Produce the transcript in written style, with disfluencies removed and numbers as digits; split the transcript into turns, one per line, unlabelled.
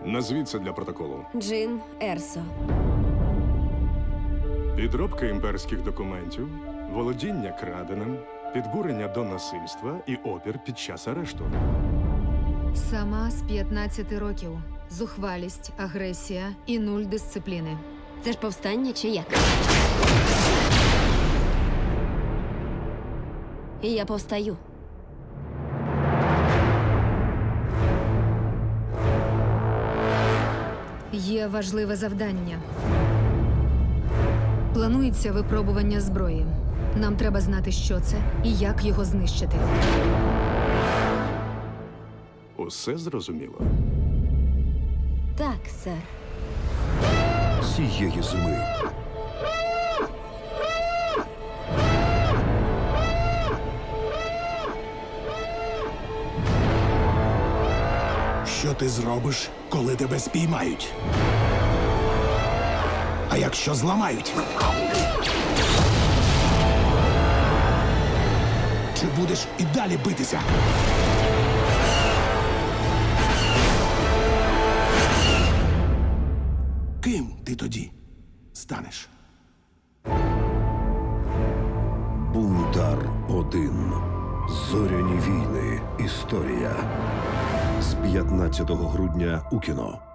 Назвіться для протоколу.
Джин Ерсо.
Підробка імперських документів, володіння краденим, підбурення до насильства і опір під час арешту.
Сама з 15 років. Зухвалість, агресія і 0 дисципліни.
Це ж повстання чи як? І я повстаю.
Є важливе завдання. Планується випробування зброї. Нам треба знати, що це і як його знищити.
Усе зрозуміло.
Так, сер.
Цієї зими
Що ти зробиш, коли тебе спіймають? А якщо зламають? Чи будеш і далі битися? Ким ти тоді станеш?
Бунтар-1. Зоряні війни. Історія. З 15 грудня у кіно.